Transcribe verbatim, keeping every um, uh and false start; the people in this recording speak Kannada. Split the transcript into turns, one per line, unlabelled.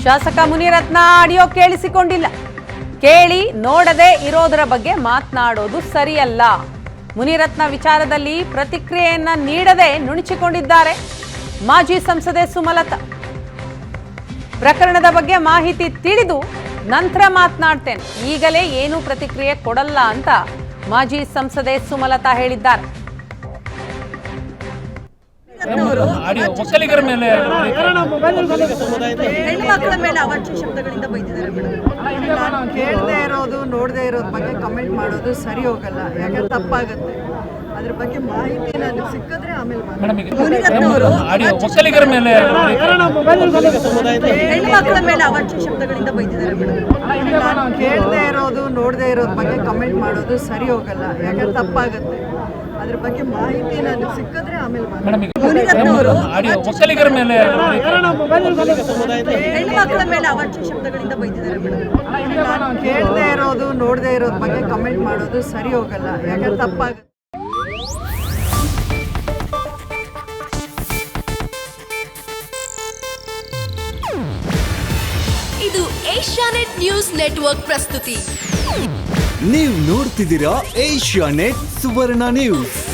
ಶಾಸಕ ಮುನಿರತ್ನ ಆಡಿಯೋ ಕೇಳಿಸಿಕೊಂಡಿಲ್ಲ. ಕೇಳಿ ನೋಡದೆ ಇರೋದರ ಬಗ್ಗೆ ಮಾತನಾಡೋದು ಸರಿಯಲ್ಲ. ಮುನಿರತ್ನ ವಿಚಾರದಲ್ಲಿ ಪ್ರತಿಕ್ರಿಯೆಯನ್ನ ನೀಡದೆ ನುಣುಚಿಕೊಂಡಿದ್ದಾರೆ ಮಾಜಿ ಸಂಸದೆ ಸುಮಲತಾ. ಪ್ರಕರಣದ ಬಗ್ಗೆ ಮಾಹಿತಿ ತಿಳಿದು ನಂತರ ಮಾತನಾಡ್ತೇನೆ, ಈಗಲೇ ಏನೂ ಪ್ರತಿಕ್ರಿಯೆ ಕೊಡಲ್ಲ ಅಂತ ಮಾಜಿ ಸಂಸದೆ ಸುಮಲತಾ ಹೇಳಿದ್ದಾರೆ.
ಒಕ್ಕಲಿಗರ ಮೇಲೆ
ಹೆಣ್ಮಕ್ಳ ಮೇಲೆ ಅವಾಚ್ಯ ಶಬ್ದಗಳಿಂದ ಬೈದಿದ್ದಾರೆ ಮೇಡಮ್. ನಾನು ಕೇಳದೆ ಇರೋದು ನೋಡದೆ ಇರೋದ್ರ ಬಗ್ಗೆ ಕಮೆಂಟ್ ಮಾಡೋದು ಸರಿ ಹೋಗಲ್ಲ, ಯಾಕಂದ್ರೆ ತಪ್ಪಾಗುತ್ತೆ. ಅದ್ರ ಬಗ್ಗೆ ಮಾಹಿತಿ ನನಗೆ ಸಿಕ್ಕಿದ್ರೆ ಆಮೇಲೆ ಮುನಿರತ್ನ ಅವರು
ಒಕ್ಕಲಿಗರ ಮೇಲೆ
ಹೆಣ್ಮಕ್ಳ ಮೇಲೆ ಅವಾಚ್ಯ ಶಬ್ದಗಳಿಂದ ಬೈದಿದ್ದಾರೆ ಮೇಡಮ್. ನಾನು ಕೇಳದೆ ಇರೋದು ನೋಡದೆ ಇರೋದ್ರ ಬಗ್ಗೆ ಕಮೆಂಟ್ ಮಾಡೋದು ಸರಿ ಹೋಗಲ್ಲ, ಯಾಕಂದ್ರೆ ತಪ್ಪಾಗುತ್ತೆ. ಅದ್ರ ಬಗ್ಗೆ ಮಾಹಿತಿ ನನಗೆ ಸಿಕ್ಕಿದ್ರೆ ಆಮೇಲೆ ಮುನಿರತ್ನ ಅವರು
ಒಕ್ಕಲಿಗರ ಮೇಲೆ
ಹೆಣ್ಮಕ್ಳ ಮೇಲೆ ಅವಾಚ್ಯ ಶಬ್ದಗಳಿಂದ ಬೈದಿದ್ದಾರೆ ಮೇಡಮ್. ನಾನು ಕೇಳದೆ ಇರೋದು ನೋಡದೆ ಇರೋದ್ರ ಬಗ್ಗೆ ಕಮೆಂಟ್ ಮಾಡೋದು ಸರಿ ಹೋಗಲ್ಲ, ಯಾಕಂದ್ರೆ ತಪ್ಪಾಗುತ್ತೆ.
ಇದು ಏಷ್ಯಾನೆಟ್ ನ್ಯೂಸ್ ನೆಟ್ವರ್ಕ್ ಪ್ರಸ್ತುತಿ.
ನೀವು ನೋಡ್ತಿದ್ದೀರಾ ಏಷ್ಯಾನೆಟ್ ಸುವರ್ಣ ನ್ಯೂಸ್.